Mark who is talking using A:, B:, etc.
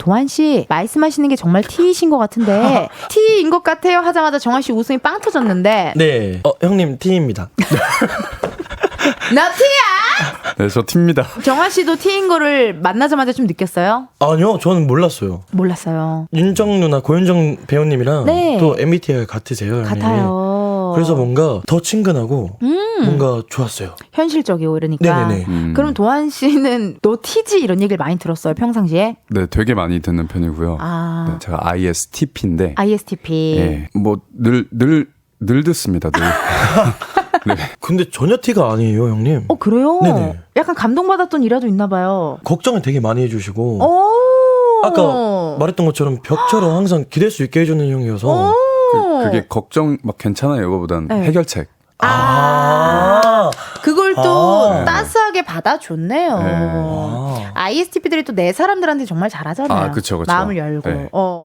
A: 도한 씨 말씀하시는 게 정말 T이신 것 같은데 T인 것 같아요 하자마자 정한 씨 웃음이 빵 터졌는데.
B: 네. 형님 T입니다.
A: 나 T야.
C: 네, 저 T입니다.
A: 정한 씨도 T인 거를 만나자마자 좀 느꼈어요?
B: 아니요, 저는 몰랐어요.
A: 몰랐어요.
B: 윤정 누나, 고윤정 배우님이랑
A: 네.
B: 또 MBTI 같으세요. 형님.
A: 같아요.
B: 그래서 뭔가 더 친근하고 뭔가 좋았어요.
A: 현실적이고 이러니까.
B: 네네네.
A: 그럼 도한 씨는 너 T지 이런 얘기를 많이 들었어요 평상시에?
C: 네, 되게 많이 듣는 편이고요.
A: 아.
C: 네, 제가 ISTP인데.
A: ISTP.
C: 예, 뭐 늘 듣습니다. 늘. 네.
B: 근데 전혀 T가 아니에요, 형님.
A: 그래요?
B: 네네.
A: 약간 감동받았던 일화도 있나 봐요.
B: 걱정을 되게 많이 해주시고
A: 오.
B: 아까 말했던 것처럼 벽처럼 항상 기댈 수 있게 해주는 형이어서
C: 그게 걱정 막 괜찮아요 이거보단
A: 네.
C: 해결책.
A: 그걸 또
C: 네.
A: 따스하게 받아줬네요.
C: 네.
A: ISTP들이 또 내 사람들한테 정말 잘하잖아요.
C: 그쵸.
A: 마음을 열고.
C: 네.